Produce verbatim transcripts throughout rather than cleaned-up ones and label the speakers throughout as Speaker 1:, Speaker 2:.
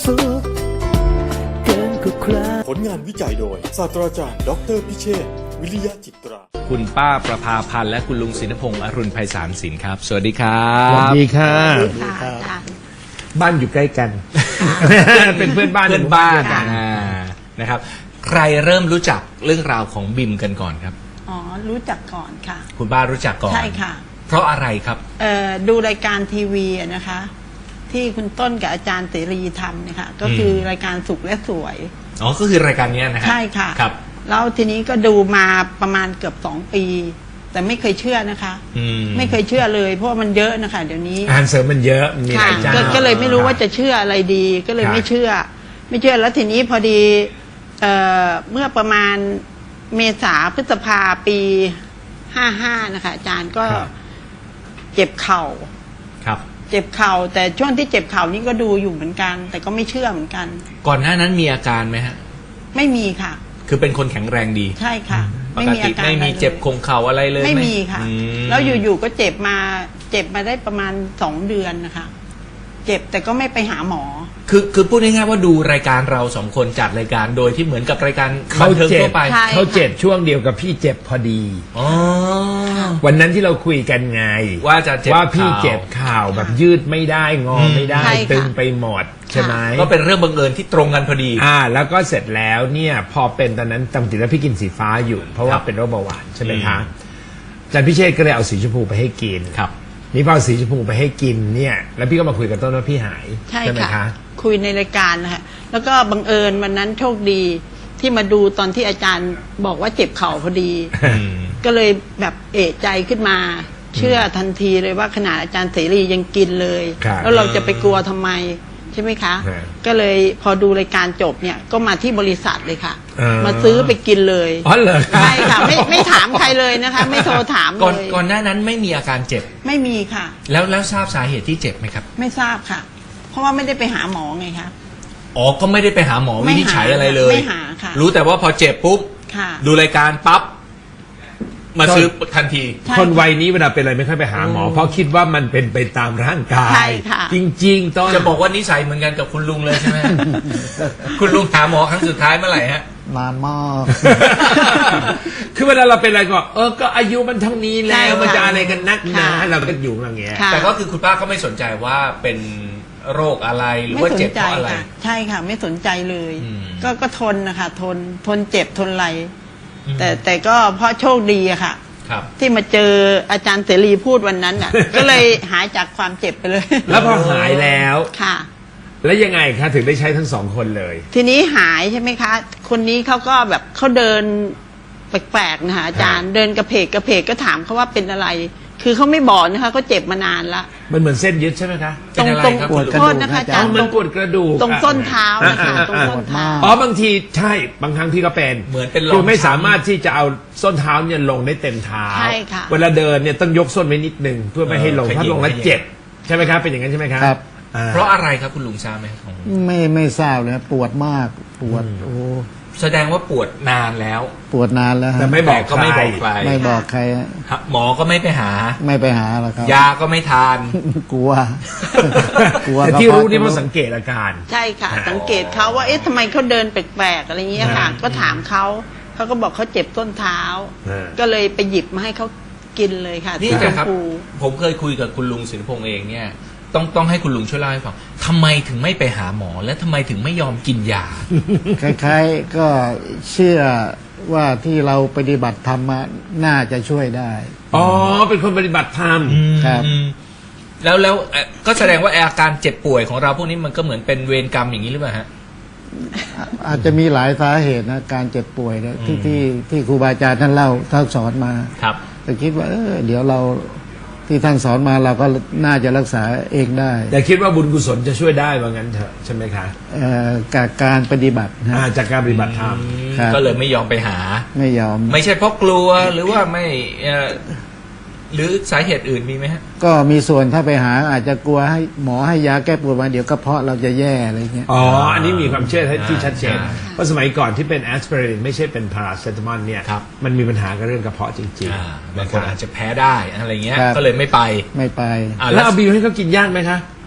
Speaker 1: สุขเกินกว่าใคร
Speaker 2: ผลงานวิจัยโดยศาสตราจารย์ดอกเตอรพิเชษฐ์วิริยะจิตรา
Speaker 3: คุณป้าประภาพันธ์และคุณลุงศินพงษ์อรุณไพศาลสินครับสวัสดีครั
Speaker 4: สวัส
Speaker 3: บ
Speaker 4: ดีค่ะ
Speaker 5: ค่ะอาจารย์
Speaker 4: บ้านอยู่ใกล้กัน เป็นเพื่อนบ้าน
Speaker 3: เพื่อนบ้าน
Speaker 4: กัน
Speaker 3: อ่านะครับ ใครเริ่มรู้จักเรื่องราวของบิมกันก่อนครับ
Speaker 5: อ๋อรู้จักก่อนค่ะ
Speaker 3: คุณป้ารู้จักก่อน
Speaker 5: ใช่ค่ะ
Speaker 3: เพราะอะไรครับ
Speaker 5: เอ่อดูรายการทีวีอะนะคะ ที่คุณต้นกับอาจารย์เสรีทำเนี่ยค่ะก็คือรายการสุขและสวย
Speaker 3: อ๋อก็คือรายการเนี้ยนะครั
Speaker 5: ใช่ค่ะ
Speaker 3: ครับ
Speaker 5: แล้วทีนี้ก็ดูมาประมาณเกือบสองปี แต่ไม่เคยเชื่อนะคะ
Speaker 3: อืม
Speaker 5: ไม่เคยเชื่อเลย เพราะว่ามันเยอะนะคะเดี๋ยวนี้
Speaker 4: อาหารเสริมมันเยอะมีห
Speaker 5: ค่ะ
Speaker 4: ลายเจ้า
Speaker 5: ก็ก็เลยไม่รู้ว่าจะเชื่ออะไรดี ก็เลย
Speaker 4: ครับ
Speaker 5: ไม่เชื่อ ไม่เชื่อแล้วทีนี้พอดีเอ่อเมื่อประมาณเมษาพฤษภาปีห้าห้านะคะอาจารย์ก็
Speaker 4: ครับ
Speaker 5: เจ็บเข่า
Speaker 3: ครับ
Speaker 5: เจ็บเข่าแต่ช่วงที่เจ็บเข่านี่ก็ดูอยู่เหมือนกัน แต่ก็ไม่เชื่อเหมือนกัน
Speaker 3: ก่อนหน้านั้นมีอาการไหมฮะ
Speaker 5: ไม่มีค่ะ
Speaker 3: คือเป็นคนแข็งแรงดี
Speaker 5: ใช่ค่ะ
Speaker 3: ปกติไม่มีเจ็บคงเข่าอะไรเลย
Speaker 5: ไม่
Speaker 3: ห
Speaker 5: มีค่ะ
Speaker 3: อืม
Speaker 5: แล้วอยู่ๆก็เจ็บมาเจ็บมาได้ประมาณสองเดือนนะคะ เจ็บแต่ก็ไม่ไปหาหมอ
Speaker 3: คือคือพูดง่ายๆว่าดูรายการเราสองคนจัดรายการโดยที่เหมือนกับรายการบั
Speaker 4: เขา
Speaker 3: นเทิง
Speaker 4: เจ็
Speaker 3: ทั่
Speaker 4: บ
Speaker 3: วไป
Speaker 5: ใช่
Speaker 4: เขาเจ็บช่วงเดียวกับพี่เจ็บพอดี
Speaker 3: อ๋อ
Speaker 4: วันนั้นที่เราคุยกันไง
Speaker 3: ว่าจะเจ็บ
Speaker 4: ว่าพี่
Speaker 3: ข่าว
Speaker 4: เจ็บข่าวแบบยืดไม่ได้งอไม่ได้
Speaker 5: ใช่ค่ะ
Speaker 4: ตึงไปหมดใช่ไหม
Speaker 3: ก็เป็นเรื่องบังเอิญที่ตรงกันพอดี
Speaker 4: อ่า แล้วก็เสร็จแล้วเนี่ย พอเป็นตอนนั้นจำติดแล้วพี่กินสีฟ้าอยู่ เพราะว่า
Speaker 3: ครับ
Speaker 4: เป็นโรคเบาหวานใช่ไหมคะ
Speaker 3: อืม
Speaker 4: อาจารย์พิเชษก็เลยเอาสีชมพูไปให้กิน
Speaker 3: ครับ
Speaker 4: นี่พอเอาสีชมพูไปให้กินเนี่ย แล้วพี่ก็มาคุยกับต้นว่าพี่หาย
Speaker 5: ใช่
Speaker 4: ไหม
Speaker 5: ค่ะ
Speaker 4: คะ
Speaker 5: คุยในรายการนะคะแล้วก็บังเอิญวันนั้นโชคดีที่มาดูตอนที่อาจารย์บอกว่าเจ็บเข่าพอดี
Speaker 3: อืม
Speaker 5: ก็เลยแบบเอะใจขึ้นมา เชื่อทันทีเลยว่าขนาดอาจารย์เสรียังกินเลย
Speaker 4: ครับ
Speaker 5: แล้วเราจะไปกลัวทำไมใช่ไหมคะ
Speaker 4: ครับ
Speaker 5: ก็เลยพอดูรายการจบเนี่ยก็มาที่บริษัทเลยค่ะ
Speaker 4: อ่าม
Speaker 5: มาซื้อไปกินเลย
Speaker 4: อ๋อเหรอ
Speaker 5: ใช่ค่ะไม่ไม่ถามใครเลยนะคะ ไม่โทรถาม
Speaker 3: ก่อน
Speaker 5: เลย
Speaker 3: ก่อนหน้านั้นไม่มีอาการเจ็บ
Speaker 5: ไม่มีค่ะ
Speaker 3: แล้วแล้วทราบสาเหตุที่เจ็บไหมครับ
Speaker 5: ไม่ทราบค่ะ เพราะว่าไม่ได้ไปหาหมอไงคะ
Speaker 3: อ๋อ ก็ไม่ได้ไปหาหมอ
Speaker 5: ไม่
Speaker 3: วิ
Speaker 5: หา
Speaker 3: นิจฉัยอะไรเลย
Speaker 5: ไม่หาค่ะ
Speaker 3: รู้แต่ว่าพอเจ็บปุ๊บ
Speaker 5: ค่ะ
Speaker 3: ดูรายการปั๊บ มาซื้อทันที
Speaker 5: ใช่
Speaker 4: คนวัยนี้เวลาเป็นอะไรไม่ค่อยไปหาหมอ เพราะคิดว่ามันเป็นไปตามร่างกาย
Speaker 5: ใช่ค่ะ
Speaker 4: จริงๆต้น
Speaker 3: จะบอกว่านิสัยเหมือนกันกับคุณลุงเลยใช่ไหม คุณลุงหาหมอครั้งสุดท้ายเมื่อไหร่ฮะ
Speaker 6: นานมาก
Speaker 4: คือเวลาเราเป็นอะไรก็เออก็อายุมันเท่านี้
Speaker 5: ใช่
Speaker 4: แล้ว
Speaker 5: ค่ะ
Speaker 4: มันจะอะไรกันนักหนา
Speaker 5: ค่ะ
Speaker 4: เราก็อยู่อย่างเงี้ย
Speaker 5: ค่ะ
Speaker 3: แต่ก็คือคุณป้าก็ไม่สนใจว่าเป็นโรคอะไรหรือ
Speaker 5: ไม่
Speaker 3: ว่า
Speaker 5: สน
Speaker 3: เจ็บ
Speaker 5: ใจ
Speaker 3: เพราะอะไร
Speaker 5: ค่ะ ใช่ค่ะ ไม่สนใจเลย
Speaker 3: อืม
Speaker 5: ก็ก็ทนนะคะทนทนเจ็บทนอะไร
Speaker 3: อืม
Speaker 5: แต่แต่ก็เพราะโชคดีอะค่ะ
Speaker 3: ครับ
Speaker 5: ที่มาเจออาจารย์เสรีพูดวันนั้นอ่ะ ก็เลยหายจากความเจ็บไปเลย
Speaker 4: แล้วพอหายแล้ว
Speaker 5: ค่ะ
Speaker 4: แล้วยังไงคะถึงได้ใช้ทั้งสองคนเลย
Speaker 5: ทีนี้หายใช่ไหมคะ คนนี้เขาก็แบบเขาเดินแปลกๆนะคะอาจารย์เดินกระเพกกระเพกก็ถามเขาว่าเป็นอะไร คือเขาไม่บอกนะคะเขาเจ็บมานานละ
Speaker 4: มันเหมือนเส้นยึดใช่ไหมคะ
Speaker 3: เป็นอะไร
Speaker 5: ตรง
Speaker 3: ครับ
Speaker 6: ปวด
Speaker 3: คุณลุง
Speaker 6: กระดูก
Speaker 5: โทษนะคะ
Speaker 6: นะ
Speaker 5: อา
Speaker 6: จ๊ะ
Speaker 5: จารย์
Speaker 4: มันปวดกระดูก
Speaker 5: ตรงส้นเท้านะคะ
Speaker 4: อ่า
Speaker 5: ตรงส้นเท้า
Speaker 4: อ๋อบางทีใช่บางครั้งพี่ก็เป็น
Speaker 3: เหมือนเป็นรอง
Speaker 4: คือไม่
Speaker 3: ช้ำ
Speaker 4: สามารถที่จะเอาส้นเท้าเนี่ยลงได้เต็มเท้า
Speaker 5: ใช่ค่ะ
Speaker 4: เวลาเดินเนี่ยต้องยกส้นไว้นิดนึงเพื่อไม่ให้ลง
Speaker 3: เออ
Speaker 4: ถ้าลงแล้ว
Speaker 3: ขยิบ
Speaker 4: เจ็บใช่ไหมครับเป็นอย่างนั้นใช่ไหมครับ
Speaker 6: ครับ
Speaker 4: อ่
Speaker 3: เพราะอะไรครับคุณลุงทราบไหมของ
Speaker 6: ไม่ไม่ทราบเลยปวดมากปวดโอ้
Speaker 3: แสดงว่าปวดนานแล้ว
Speaker 6: ปวดนานแล้วฮะ
Speaker 4: แต่ไม่บอก
Speaker 3: ก็ไม่บอกใคร
Speaker 6: ไม่บอกใครฮะ
Speaker 3: หมอก็ไม่ไปหา
Speaker 6: ไม่ไปหาหรอกครับ
Speaker 3: ยาก็ไม่ทาน
Speaker 6: กลัว กลัว
Speaker 4: แต่
Speaker 6: กะ
Speaker 4: ที่รู้
Speaker 6: เพาะ
Speaker 4: นี่เพราะ
Speaker 6: จะ
Speaker 4: สังเกตอาการ
Speaker 5: ใช่ค่ะ สังเกตเขาว่าเอ๊ะทำไมเขาเดินแปลกๆอะไรเงี้ยค่ะ
Speaker 4: อ่า
Speaker 5: ก็ถามเขาเขาก็บอกเขาเจ็บต้นเท้า
Speaker 4: อ่า
Speaker 5: ก็เลยไปหยิบมาให้เขากินเลยค่ะ
Speaker 3: นี่
Speaker 5: สีช
Speaker 3: นะ
Speaker 5: ม
Speaker 3: ครับ
Speaker 5: พู
Speaker 3: ผมเคยคุยกับคุณลุงศิลปงษ์เองเนี่ย ต้องต้องให้คุณลุงช่วยเล่าให้ฟังทำไมถึงไม่ไปหาหมอ และทำไมถึงไม่ยอมกินยา
Speaker 6: คล้ายๆก็เชื่อว่าที่เราปฏิบัติธรรมมาน่าจะช่วยได้
Speaker 4: อ๋อเป็นคนปฏิบัติธรรม
Speaker 6: ครับ
Speaker 3: อืมแล้วแล้วเอ่อก็แสดงว่าอาการเจ็บป่วยของเราพวกนี้มันก็เหมือนเป็นเวรกรรมอย่างนี้หรือเปล่าฮะ
Speaker 6: อาจจะมีหลายสาเหตุนะการเจ็บป่วยเนี่ยที่
Speaker 3: อืม
Speaker 6: ที่ที่ครูบาอาจารย์ท่านเล่าท่านสอนมา
Speaker 3: ครับ
Speaker 6: แต่คิดว่าเออเดี๋ยวเราที่ท่านสอนมาเราก็น่าจะรักษาเองได้
Speaker 4: แต่คิดว่าบุญกุศลจะช่วยได้ว่างั้นเถอะใช่ไหมคะ
Speaker 6: เอ่อกับการปฏิบัตินะ
Speaker 4: อ่าจากการปฏิบัติธรรม
Speaker 6: ครับ
Speaker 3: ก็เลยไม่ยอมไปหา
Speaker 6: ไม่ยอม
Speaker 3: ไม่ใช่เพราะกลัวหรือว่าไม่เอ่อหรือสาเหตุอื่นมีไหมฮะ
Speaker 6: ก็มีส่วนถ้าไปหาอาจจะกลัวให้หมอให้ยาแก้ปวดมาเดี๋ยวกระเพาะเราจะแย่อะไรเงี้ย
Speaker 4: อ๋อ อันนี้มีความเชื่อที่ชัดเจน
Speaker 3: อ่า
Speaker 4: เพราะสมัยก่อนที่เป็นแอสไพรินไม่ใช่เป็นพาราเซตามอลเนี่ย
Speaker 3: ครับ
Speaker 4: มันมีปัญหากับเรื่องกระเพาะจริง
Speaker 3: อ่า
Speaker 4: ๆ
Speaker 3: บาง
Speaker 4: นะ
Speaker 3: ค
Speaker 4: คน
Speaker 3: อา
Speaker 4: รับ
Speaker 3: จจะแพ้ได้อะไรเงี้ย
Speaker 6: ครับ
Speaker 3: ก็เลยไม่ไป
Speaker 6: ไม่ไป
Speaker 3: อ่า
Speaker 4: แล้วเอาบิวให้เขากินยากไหมคะ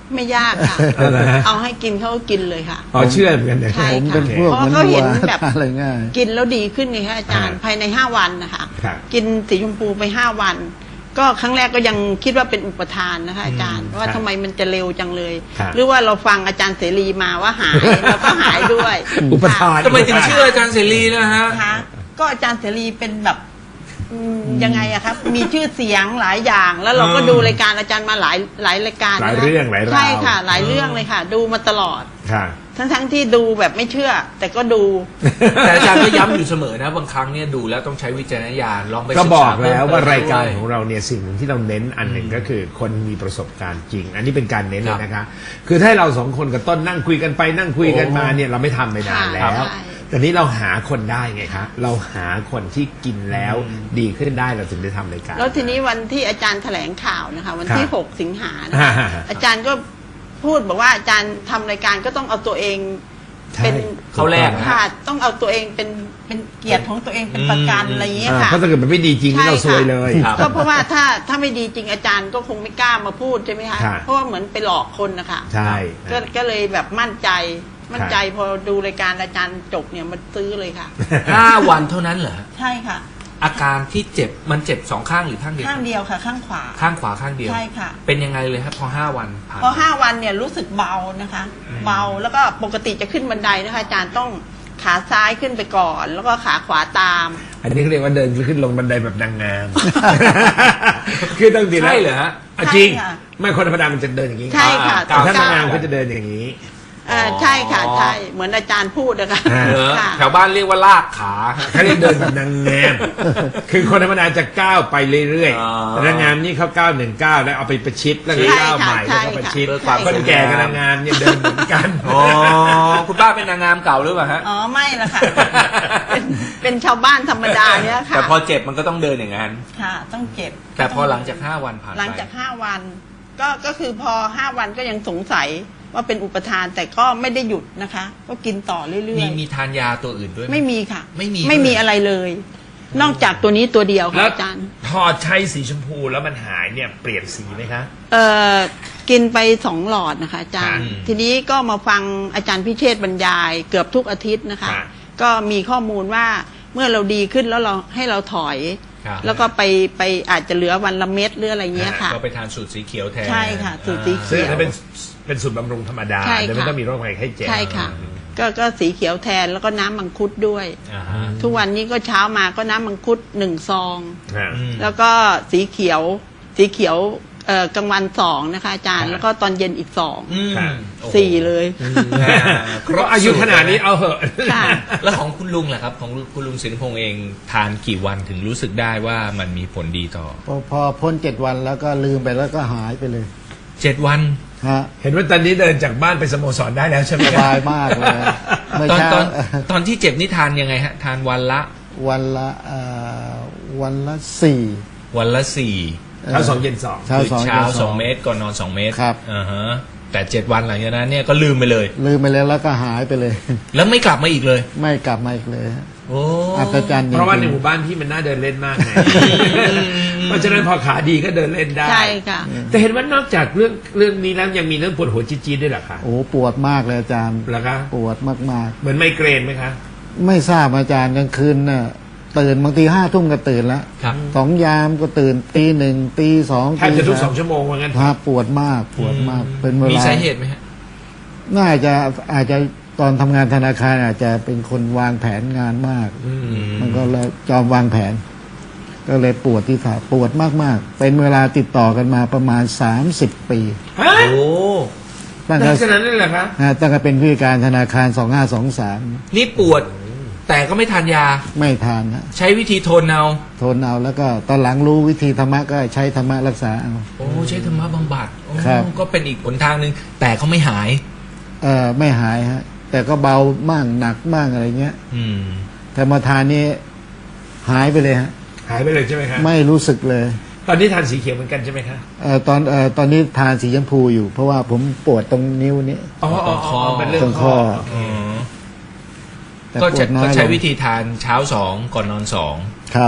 Speaker 5: ไม่ยากค่ะ
Speaker 4: เอาละฮะ
Speaker 5: เอาให้กินเขาก็กินเลยค่ะ
Speaker 4: อ๋อเชื่อเหมือนกันนะ
Speaker 5: ใช่
Speaker 6: ผมเป็น
Speaker 5: ค่ะ
Speaker 6: พวก
Speaker 5: เพราะ
Speaker 6: เหมือน
Speaker 5: เขา
Speaker 6: วั
Speaker 5: เห็
Speaker 6: วน
Speaker 5: แบบ
Speaker 6: อะไรง่าย
Speaker 5: กินแล้วดีขึ้นไงคะอาจารย์
Speaker 4: อ่า
Speaker 5: ภายในห้าวันนะคะ
Speaker 4: ครับ
Speaker 5: กินสีชมพูไปห้าวัน ก็ครั้งแรกก็ยังคิดว่าเป็นอุปทานนะคะอาจารย์
Speaker 4: อืม
Speaker 5: ว่า
Speaker 4: ครับ
Speaker 5: ทำไมมันจะเร็วจังเลย
Speaker 4: ครับ
Speaker 5: หรือว่าเราฟังอาจารย์เสรีมาว่าหายแล้วก็หายด้วย
Speaker 4: อุปทาน
Speaker 3: ทำไมถึงเชื่ออาจารย์เสรีนะฮะ
Speaker 5: นะคะก็อาจารย์เสรีเป็นแบบอืมยังไงอะครับ มีชื่อเสียงหลายอย่าง แล้วเราก็
Speaker 3: อืม
Speaker 5: ดูรายการอาจารย์มาหลายหลายรายการ
Speaker 4: หลาย
Speaker 5: นะคะ
Speaker 4: เรื่องหลายราว
Speaker 5: ใช่ค่ะ หลายเรื่องเลยค่ะ ดูมาตลอด
Speaker 4: ค่ะ
Speaker 5: ทั้งทั้งๆที่ดูแบบไม่เชื่อ แต่ก็ดู
Speaker 3: แต่อาจารย์ก็ย้ำอยู่เสมอนะบางครั้งเนี่ยดูแล้วต้องใช้วิจารณญาณลองไป
Speaker 4: ก็
Speaker 3: ศึ
Speaker 4: บ
Speaker 3: ษ
Speaker 4: อกแล้วว่ารายการ
Speaker 3: ด้
Speaker 4: ของเราเนี่ยสิ่งหนึ่งที่เราเน้นอันหนึ่งก็คือคนมีประสบการณ์จริง อันนี้เป็นการเน้นเลยนะคะ คือถ้าเราสองคนกับต้นนั่งคุยกันไปนั่งคุยกันมาเนี่ยเราไม่ทำไปนานแล้ว
Speaker 5: ใช่
Speaker 4: แต่นี้เราหาคนได้ไงคะเราหาคนที่กินแล้วดีขึ้นได้เราถึงได้ทำรายการ
Speaker 5: แล้วทีนี้วันที่อาจารย์แถลงข่าวนะคะ วันที่
Speaker 4: ครับ
Speaker 5: หกสิงหานะคะ
Speaker 4: อ่า
Speaker 5: อาจารย์ก็พูดบอกว่าอาจารย์ทำรายการก็ต้องเอาตัวเอง
Speaker 4: ใช่
Speaker 5: เป็น
Speaker 3: เขาแรกนะ
Speaker 5: ค่ะต้องเอาตัวเองเป็นเป็นเกียรติของตัวเองเป็นประกัน
Speaker 3: อืม
Speaker 5: อะไรอย่างเงี้ย
Speaker 4: อ่า
Speaker 5: ค่ะ
Speaker 4: เพราะถ้าเกิดมันไม่ดีจริงนี่เราซวยเลย
Speaker 3: ครับ
Speaker 5: ก็เพราะว่าถ้าถ้าไม่ดีจริงอาจารย์ก็คงไม่กล้ามาพูดใช่ไหมคะ
Speaker 4: ครับ
Speaker 5: เพราะว่าเหมือนไปหลอกคนนะคะ
Speaker 4: ใช่
Speaker 5: ก็ก็เลยแบบมั่นใจมั่นใจพอดูรายการอาจารย์จบเนี่ยมันซื้อเลยค่ะ
Speaker 3: ห้าวันเท่านั้นเหรอ
Speaker 5: ใช่ค่ะ
Speaker 3: อาการที่เจ็บมันเจ็บสองข้างหรือข้างเดียว
Speaker 5: ข้างเดียวค่ะ ข้างขวา
Speaker 3: ข้างขวาข้างเดียว
Speaker 5: ใช่ค่ะ
Speaker 3: เป็นยังไงเลยครับพอห้าวันผ่าน
Speaker 5: พอห้าวันเนี่ยรู้สึกเบานะคะ เบาแล้วก็ปกติจะขึ้นบันไดนะคะอาจารย์ต้องขาซ้ายขึ้นไปก่อน แล้วก็ขาขวาตาม
Speaker 4: อันนี้เขาเรียกว่าเดินขึ้นลงบันไดแบบนางงาม คือต้องดีแล้ว
Speaker 3: ใช่เหรอฮะ
Speaker 4: อ่ะจริง
Speaker 5: ใช่ค่ะ
Speaker 4: ไม่คนธรรมดามันจะเดินอย่างนี้
Speaker 5: ใช่ค่ะ
Speaker 3: อ่า
Speaker 4: แต่ถ้านางงาม
Speaker 5: ก้ว
Speaker 4: ก็จะเดินอย่างนี้
Speaker 5: เอ่อใช่ค่ะใช่เหมือนอาจารย์พูดนะคะ
Speaker 4: อ่า
Speaker 3: เหรอ
Speaker 5: ค่ะ
Speaker 3: แถวบ้านเรียกว่าลากขาฮะ
Speaker 4: เขาเรียกเดินแบบนางงาม คือคนธรรมดาจะก้าวไปเรื่อย
Speaker 3: อ๋อ
Speaker 4: ๆแต่นางงามนี่เขาก้าวหนึ่งก้าวแล้วเอาไปประชิดแล้วก็
Speaker 5: ใช่
Speaker 4: ก้าว
Speaker 5: ค่ะ
Speaker 4: ใหม่
Speaker 5: ใช่
Speaker 4: แล้วก็ประ
Speaker 5: ค่ะ
Speaker 4: ชิด
Speaker 3: เพื่อความ
Speaker 4: คนแก่กับนางงามเนี่ยเดินเหมือนกัน
Speaker 3: อ๋อคุณป้าเป็นนางงามเก่าหรือเปล่าฮะ
Speaker 5: อ๋อไม่ละค่ะ เป็นเป็นชาวบ้านธรรมดาเนี่ยค่ะ
Speaker 3: แต่พอเจ็บมันก็ต้องเดินอย่างนั้น
Speaker 5: ค่ะ ต้องเจ็บ
Speaker 3: แต่พอหลังจากห้าวันผ่านไป
Speaker 5: หลังจากห้าวัน ก็ก็คือพอห้าวันก็ยังสงสัยว่าเป็นอุปทานแต่ก็ไม่ได้หยุดนะคะ ก็กินต่อเรื่
Speaker 3: มี
Speaker 5: อย
Speaker 3: มีทานยาตัวอื่นด้วยห
Speaker 5: ๆ ไม่มีค่ะ
Speaker 3: ไม่มี
Speaker 5: ไม่มี
Speaker 3: ด้วย
Speaker 5: อะไรเลย นอกจากตัวนี้ตัวเดียวค่ะ
Speaker 4: แล้ว
Speaker 5: อาจารย์
Speaker 4: พอใช้สีชมพูแล้วมันหายเนี่ยเปลี่ยนสีไหมคะ
Speaker 5: เอ่อกินไปสองหลอดนะคะอาจารย์
Speaker 3: ค่ะ
Speaker 5: ทีนี้ก็มาฟังอาจารย์พิเชษฐ์บรรยายเกือบทุกอาทิตย์นะคะ
Speaker 4: ค่ะ
Speaker 5: ก็มีข้อมูลว่าเมื่อเราดีขึ้นแล้วเราให้เราถอย
Speaker 3: ครับ
Speaker 5: แล้วก็ไปไปอาจจะเหลือวันละเม็ดหรืออะไรเงี้ยค่ะ
Speaker 3: ก็ไปทานสูตรสีเขียวแทน
Speaker 5: ใช่ค่ะสูตรสีเขียว
Speaker 4: ซึ่งอันนั้นเป็นเป็นสูตรบำรุงธรรมดา
Speaker 5: ใช่ค่ะ
Speaker 4: โดยไม่ต้องมีโรคภัยไข้เจ็บ
Speaker 5: ใช่ค่ะ ก็ก็สีเขียวแทนแล้วก็น้ำมังคุดด้วย
Speaker 3: อ่าฮะ
Speaker 5: ทุกวันนี้ก็เช้ามาก็น้ำมังคุดหนึ่งซอง
Speaker 4: อ่า
Speaker 3: อืม
Speaker 5: แล้วก็สีเขียว สีเขียวเอ่อกลางวันสองนะคะอาจารย์
Speaker 4: ค่ะ
Speaker 5: แล้วก็ตอนเย็นอีกสอง
Speaker 3: อืม
Speaker 4: ค่ะ
Speaker 3: โอ้โห
Speaker 5: สี่เลย
Speaker 4: เพราะอายุขนาดนี้เอาเหอะ
Speaker 5: ค่ะ
Speaker 3: แล้วของคุณลุงล่ะครับ ของคุณลุงสินพงษ์เองทานกี่วันถึงรู้สึกได้ว่ามันมีผลดีต่อ
Speaker 6: พอพอพ้นเจ็ดวันแล้วก็ลืมไปแล้วก็หายไปเลย
Speaker 3: เจ็ดวัน
Speaker 6: ฮะ
Speaker 4: เห็นว่าตอนนี้เดินจากบ้านไปสโมสรได้แล้วใช่ไหม
Speaker 6: ส
Speaker 4: ครับ
Speaker 6: บายมากเลยเมื่อ
Speaker 3: ตอน
Speaker 6: เช้า
Speaker 3: ตอนตอนที่เจ็บนี่ทานยังไงฮะ ทานวันละ
Speaker 6: วันละเอ่อวันละสี่
Speaker 3: วันละสี่
Speaker 4: เช้าสองเย็นสอง
Speaker 6: เช้า
Speaker 3: คือ
Speaker 6: สอง
Speaker 3: เช้า
Speaker 6: ย็น
Speaker 3: สองเมตรก่อนนอนสองเมตร
Speaker 6: ครับ
Speaker 3: อ่าฮะแต่เจ็ดวันหลังจากนั้นเนี่ยก็ลืมไปเลย
Speaker 6: ลืมไปแล้วแล้วก็หายไปเลย
Speaker 3: แล้วไม่กลับมาอีกเลย
Speaker 6: ไม่กลับมาอีกเลยฮะ
Speaker 3: โอ้
Speaker 6: อัศจรรย์จริงๆ
Speaker 4: เพราะว่าในหมู่บ้านพี่มันน่าเดินเล่นมากไง เพราะฉะนั้นพอขาดีก็เดินเล่นได้
Speaker 5: ใช่ค่ะ
Speaker 4: แต่เห็นว่านอกจากเรื่องเรื่องนี้แล้วยังมีเรื่องปวดหัวจี๊ดๆด้วยเหรอคะ
Speaker 6: โอ้ปวดมากเลยอาจารย์
Speaker 4: เหรอคะ
Speaker 6: ปวดมาก
Speaker 4: เหมือนไมเกรนไหมคะ
Speaker 6: ๆ ไม่ทราบอาจารย์กลางคืนน่ะตื่นบางทีห้าทุ่มก็ตื่นแล้ว
Speaker 3: ครับ
Speaker 6: สองยามก็ตื่นตีหนึ่งตีสอง
Speaker 4: แทบจะทุกส
Speaker 6: สา
Speaker 4: อง
Speaker 6: ม
Speaker 4: ชั่วโมงว่างั้น
Speaker 6: ฮะปวดมากปวดมากเป็นเวลา
Speaker 3: มี
Speaker 6: มี
Speaker 3: สาเหตุไหมฮะ
Speaker 6: น่าจะอาจจะตอนทำงานธนาคารอาจจะเป็นคนวางแผนงานมาก
Speaker 4: อืม
Speaker 6: มันก็เลยจอมวางแผน ก็เลยปวดที่ขาปวดมากๆ เป็นเวลาติดต่อกันมาประมาณสามสิบปี
Speaker 4: ฮะ
Speaker 3: โอ้
Speaker 6: ตั้ง
Speaker 4: ลั
Speaker 6: แต่
Speaker 4: กษณะนั้นเหรอคะ
Speaker 6: ฮะตั้งแต่เป็นผู้จัดการธนาคารสองห้าสองสาม
Speaker 3: นี่ปวด แต่ก็ไม่ทานยา
Speaker 6: ไม่ทานนะ
Speaker 3: ใช้วิธีทนเอา
Speaker 6: ทนเอาแล้วก็ตอนหลังรู้วิธีธรรมะก็ใช้ธรรมะรักษาเอา
Speaker 3: โอ้ใช้ธรรมะบำบัดโอ้
Speaker 6: ครับ
Speaker 3: ก็เป็นอีกหนทางหนึ่งแต่ก็ไม่หาย
Speaker 6: เออไม่หายฮะ แต่ก็เบามั่งหนักมั่งอะไรเงี้ย
Speaker 3: อืม
Speaker 6: แต่มาทานนี้หายไปเลยฮะ
Speaker 4: หายไปเลยใช่ไหมคะ
Speaker 6: ไม่รู้สึกเลย
Speaker 4: ตอนนี้ทานสีเขียวเหมือนกันใช่ไหมคะ
Speaker 6: เออตอนเออตอนนี้ทานสีชมพูอยู่ เพราะว่าผมปวดตรงนิ้วนี้
Speaker 4: อ๋ออ๋ออ๋อเป็นเรื่อง
Speaker 6: ตรง
Speaker 4: ข้
Speaker 6: ข้
Speaker 4: อ
Speaker 6: อ
Speaker 3: อ๋อ
Speaker 6: แต่
Speaker 3: ก็
Speaker 6: ปว
Speaker 3: ใช้
Speaker 6: ดน้อ
Speaker 3: ก็
Speaker 6: ยล
Speaker 3: ใช้
Speaker 6: ง
Speaker 3: วิธีทานเช้าสองก่อนนอนสอง
Speaker 6: ครับ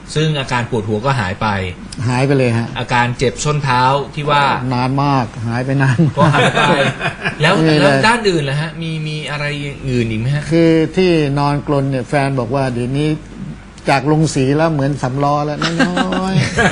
Speaker 3: ซึ่งอาการปวดหัวก็หายไป
Speaker 6: หายไปเลยฮะ
Speaker 3: อาการเจ็บส้นเท้าที่ว่าน
Speaker 6: านมากหายไปนาน
Speaker 3: ก็
Speaker 6: มาก
Speaker 3: หายไป แล้ว
Speaker 6: ไม่มีเลย
Speaker 3: แล้วด้านอื่นล่ะฮะมีมีอะไรอื่นอีกไหมฮะ
Speaker 6: คือที่นอนกลนเนี่ยแฟนบอกว่าเดี๋ยวนี้จากลงสีแล้วเหมือนสำล้อแล้วน้อย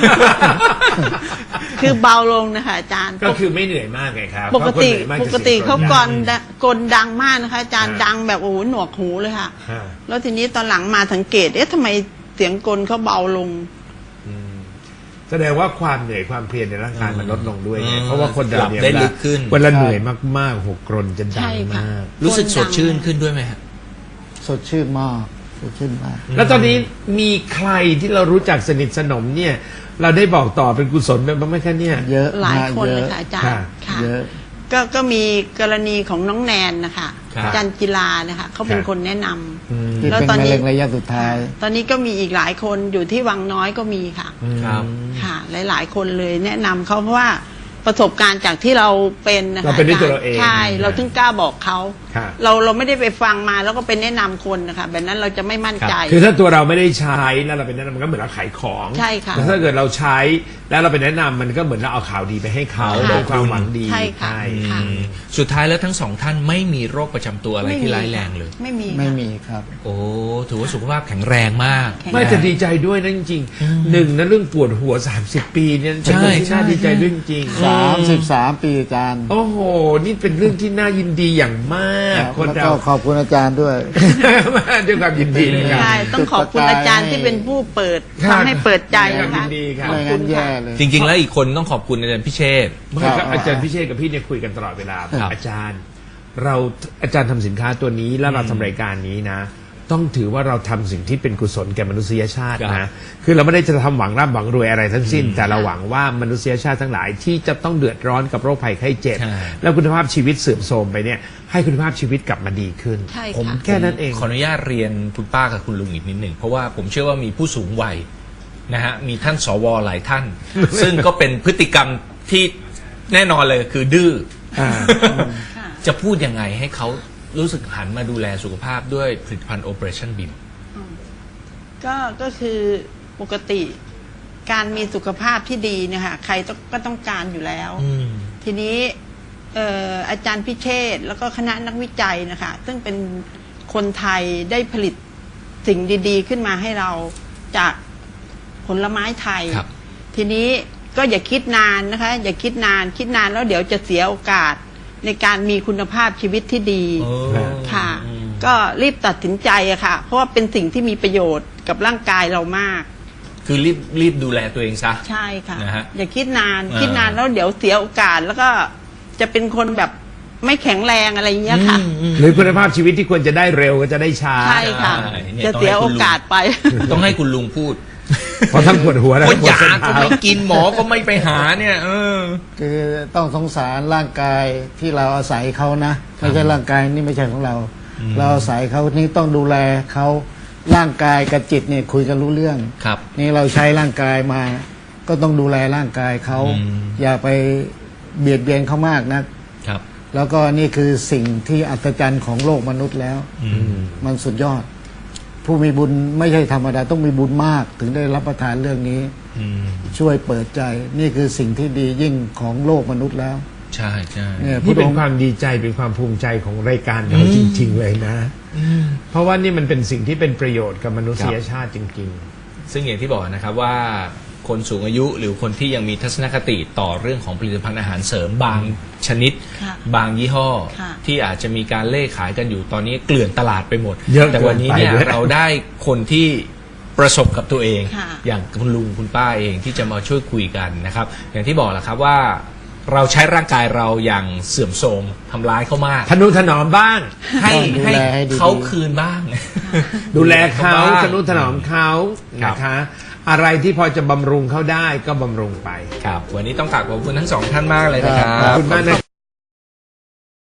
Speaker 5: คือเบาลงนะคะอาจารย์
Speaker 4: ก็คือไม่เหนื่อยมากไงครับ
Speaker 5: ปกติ
Speaker 4: เพราะคนเหนื่อยมาก
Speaker 5: ป
Speaker 4: จะ
Speaker 5: กติ
Speaker 4: สียง
Speaker 5: เขา
Speaker 4: ดัง
Speaker 5: กรดะกลดังมากนะคะ อาจารย์
Speaker 4: ฮะ
Speaker 5: ดังแบบโอ้โหหนวกหูเลยค่ะ
Speaker 4: ฮะ
Speaker 5: แล้วทีนี้ตอนหลังมาสังเกตเอ๊ะทำไมเสียงกลเขาเบาลง
Speaker 4: อืมแสดงว่าความเหนื่อยความเพลียในร่างกายมันลดลงด้วยไง
Speaker 3: อืม
Speaker 4: เพราะว่าคนเรา
Speaker 3: หลับ
Speaker 4: เนี่ย
Speaker 3: ได้
Speaker 4: เวลา
Speaker 3: ลึกขึ้น
Speaker 4: เวลาเหนื่อยมากๆหกกรนจะดั
Speaker 5: ใช่
Speaker 4: ง
Speaker 5: ค่ะ
Speaker 4: มาก
Speaker 3: รู้สึกสดชื่นขึ้นด้วยไหมฮะ
Speaker 6: ๆ สดชื่นมากสดชื่นมาก
Speaker 4: แล้วตอนนี้มีใครที่เรารู้จักสนิทสนมเนี่ย เราได้บอกต่อเป็นกุศลไปบ้างไหมคะเนี่ย
Speaker 6: เยอะ
Speaker 5: หลาย
Speaker 6: มาก
Speaker 5: คน
Speaker 6: เย
Speaker 5: เลย
Speaker 6: อะ
Speaker 5: ค่ะอาจาร
Speaker 4: ค่ะ
Speaker 5: ย์ค่ะ
Speaker 6: เยอะ
Speaker 5: ก็ก็มีกรณีของน้องแนนนะคะ
Speaker 3: ครับ
Speaker 5: อาจารย์กีฬานะคะเขาเป็น
Speaker 4: ครับ
Speaker 5: คนแนะนำ
Speaker 4: อืม
Speaker 6: ที่
Speaker 5: แล้ว
Speaker 6: เป็น
Speaker 5: ตอน
Speaker 6: มะ
Speaker 5: นี้
Speaker 6: เร็งระยะสุดท้าย
Speaker 5: ตอนนี้ก็มีอีกหลายคนอยู่ที่วังน้อยก็มีค่ะ
Speaker 3: ครับ
Speaker 5: ค่ะ หลาย ๆ คนเลยแนะนำเขาเพราะว่าประสบการณ์จากที่เราเป็นนะคะ
Speaker 4: เราเป็นด้วยตัวเราเอง
Speaker 5: ใช่ เราถึงกล้าบอกเขา
Speaker 4: ค่ะ
Speaker 5: เราเราไม่ได้ไปฟังมาแล้วก็เป็นแนะนำคนนะคะแบบนั้นเราจะไม่มั่นใจ
Speaker 4: คือถ้าตัวเราไม่ได้ใช้แล้วเราเป็นแนะนำมันก็เหมือนเราขายของ
Speaker 5: ใช่ค่ะ
Speaker 4: แต่ถ้าเกิดเราใช้แล้วเราเป็นแนะนำมันก็เหมือนเราเอาข่าวดีไปให้เขา
Speaker 5: ค่ะ
Speaker 4: ด้วยความหวังดี
Speaker 5: ใช่ค่ะ ค่ะ
Speaker 3: อืมสุดท้ายแล้วทั้งสองท่านไม่มีโรคประจำตัวอะไร
Speaker 5: ไม่
Speaker 3: ที่
Speaker 5: มี
Speaker 3: ร้ายแรงเลย
Speaker 5: ไม่มี
Speaker 6: ไม่
Speaker 5: ค่ะ
Speaker 6: มีครับ
Speaker 3: โอ้ถือว่าสุขภาพแข็งแรงมาก
Speaker 5: แข็ง
Speaker 4: ไม่แต่ดีใจด้วยนะจริงๆหนึ่งนะเรื่องปวดหัวสามสิบปีเนี่ยเป็นเรื่องที่
Speaker 3: ใช่
Speaker 4: น่า
Speaker 3: ใช่
Speaker 4: ดีใจด้วยจริง
Speaker 6: สามสิบสามปีอาจารย์
Speaker 4: โอ้โห นี่เป็นเรื่องที่น่ายินดีอย่างมาก คน
Speaker 6: แล้ว
Speaker 4: เรา
Speaker 6: ก็ขอบคุณอาจารย์ด้วย
Speaker 4: ด้วยความยินดีนะครับ
Speaker 5: ใช่ต้องขอบคุณอาจารย์ที่เป็นผู้เปิด
Speaker 4: ครับ
Speaker 5: ทำให้เปิดใจ
Speaker 4: ด้วยความ
Speaker 5: นะคะ
Speaker 4: ยินดีครับ
Speaker 6: ไม่งั้นแย่เลย
Speaker 3: จริง ๆ แล้วอีกคนต้องขอบคุณอาจารย์พิเชษฐ์
Speaker 4: ไม่ครับอาจารย์พิเชษกับพี่เนี่ยคุยกันตลอดเวลาบอก
Speaker 3: ครับ
Speaker 4: อาจารย์ เราอาจารย์ทำสินค้าตัวนี้แล้วเราทำรายการนี้นะ ต้องถือว่าเราทำสิ่งที่เป็นกุศลแก่มนุษยชาติ
Speaker 3: ครั
Speaker 4: นะ
Speaker 3: บ
Speaker 4: คือเราไม่ได้จะทำหวังร่ำหวังรวยอะไรทั้งสิ้น แต่เราหวังว่ามนุษยชาติทั้งหลายที่จะต้องเดือดร้อนกับโรคภัยไข้เจ็บ
Speaker 3: ใช่
Speaker 4: แล้วคุณภาพชีวิตเสื่อมโทรมไปเนี่ยให้คุณภาพชีวิตกลับมาดีขึ้น
Speaker 5: ใช่ค่ะ
Speaker 4: ผมแค่นั้นเอง
Speaker 3: ขออนุญาตเรียนคุณป้ากับคุณลุงอีกนิดหนึ่งเพราะว่าผมเชื่อว่ามีผู้สูงวัยนะฮะมีท่านสวหลายท่าน ซึ่งก็เป็นพฤติกรรมที่แน่นอนเลยคือดื้ออา
Speaker 5: ค่ะ
Speaker 3: จะพูดยังไงให้เขารู้สึกหันมาดูแลสุขภาพด้วยผลิตภัณฑ์ Operation Beam
Speaker 5: ก็ก็คือปกติการมีสุขภาพที่ดีเนี่ยค่ะใครต้องก็ต้องการอยู่แล้ว
Speaker 3: อืม
Speaker 5: ทีนี้เอ่ออาจารย์พิเชษฐ์แล้วก็คณะนักวิจัยนะคะ ซึ่งเป็นคนไทยได้ผลิตสิ่งดีๆ ขึ้นมาให้เราจากผลไม้ไทย
Speaker 3: ครับ
Speaker 5: ทีนี้ก็อย่าคิดนานนะคะ อย่าคิดนานคิดนานแล้วเดี๋ยวจะเสียโอกาสในการมีคุณภาพชีวิตที่ดี
Speaker 3: โอ้
Speaker 5: ค่ะ
Speaker 3: อืม
Speaker 5: ก็รีบตัดสินใจอะค่ะ เพราะว่าเป็นสิ่งที่มีประโยชน์กับร่างกายเรามาก
Speaker 3: คือรีบรีบดูแลตัวเองซะ
Speaker 5: ใช่ค่ะ
Speaker 3: นะฮะ
Speaker 5: อย่าคิดนาน
Speaker 3: อ่า
Speaker 5: คิดนานแล้วเดี๋ยวเสียโอกาสแล้วก็จะเป็นคนแบบไม่แข็งแรงอะไรอย่างเงี้ยค่ะ
Speaker 3: อืมอืม
Speaker 4: หรือคุณภาพชีวิตที่ควรจะได้เร็วก็จะได้ช้า
Speaker 5: ใช่ค่ะ
Speaker 3: ใช่เนี่ย
Speaker 5: จะเสียโอกาสไป
Speaker 3: ต้องให้คุณลุงพูด
Speaker 4: เพราะทั้งปวดหัวและ
Speaker 3: เพ
Speaker 4: ทั้
Speaker 3: ราะ
Speaker 4: งปวด
Speaker 3: ยา
Speaker 4: เส้น
Speaker 3: ก็
Speaker 4: เท้า
Speaker 3: ไม่กินหมอก็ไม่ไปหาเนี่ย เออ
Speaker 6: คือต้องสงสารร่างกายที่เราอาศัยเขานะไม่ใช่ร่างกายนี่ไม่ใช่ของเรา เราอาศัยเขานี่ต้องดูแลเขาร่างกายกับจิตเนี่ยคุยกันรู้เรื่อง
Speaker 3: ครับ
Speaker 6: นี่เราใช้ร่างกายมา ก็ต้องดูแลร่างกายเขา
Speaker 3: อืม
Speaker 6: อย่าไปเบียดเบียนเขามากนะ
Speaker 3: ครับ
Speaker 6: แล้วก็นี่คือสิ่งที่อัศจรรย์ของโลกมนุษย์แล้ว
Speaker 3: อืม
Speaker 6: มันสุดยอด ผู้มีบุญไม่ใช่ธรรมดาต้องมีบุญมาก ถึงได้รับประทานเรื่องนี้
Speaker 3: อืม
Speaker 6: ช่วยเปิดใจ นี่คือสิ่งที่ดียิ่งของโลกมนุษย์แล้ว
Speaker 3: ใช่ใช่
Speaker 6: เนี่ย
Speaker 4: นี่
Speaker 6: พ
Speaker 4: เป็
Speaker 6: ระอน งค์
Speaker 4: ความดีใจเป็นความภูมิใจของรายการเรา
Speaker 3: อืม
Speaker 4: จริง ๆ เลยนะ
Speaker 3: อืม
Speaker 4: เพราะว่านี่มันเป็นสิ่งที่เป็นประโยชน์กับมนุษยชาติจริง
Speaker 3: ซึ่งอย่างที่บอกนะครับว่าคนสูงอายุหรือคนที่ยังมีทัศนคติต่อเรื่องของผลิตภัณฑ์อาหารเสริมบางชนิด
Speaker 5: ค่ะ
Speaker 3: บางยี่ห้อ
Speaker 5: ค่ะ
Speaker 3: ที่อาจจะมีการเล่ขายกันอยู่ตอนนี้เกลื่อนตลาดไปหมด
Speaker 4: เยอะ
Speaker 3: แต่วันนี้เนี่ย
Speaker 4: เกินไปด้วย
Speaker 3: เราได้คนที่ประสบกับตัวเอง
Speaker 5: ค่ะ
Speaker 3: อย่างคุณลุงคุณป้าเองที่จะมาช่วยคุยกันนะครับ อย่างที่บอกแหละครับว่า เราใช้ร่างกายเราอย่างเสื่อมโทรมทำร้ายเขามาก
Speaker 4: ๆ ทนุถนอมบ้าง
Speaker 3: ให้
Speaker 6: ต้องดู
Speaker 3: ให้
Speaker 6: แลให้ดีๆ
Speaker 3: เขาคืนบ้าง
Speaker 4: ดูแลเขา
Speaker 3: บ้ง
Speaker 4: ทนุถนอมเขา
Speaker 3: ครับ
Speaker 4: นะคะ อะไรที่พอจะบำรุงเขาได้ก็บำรุงไป
Speaker 3: ครับ วันนี้ต้องกราบขอบคุณทั้งสองท่านมากเลยนะครับ
Speaker 4: ขอบคุณมากนะ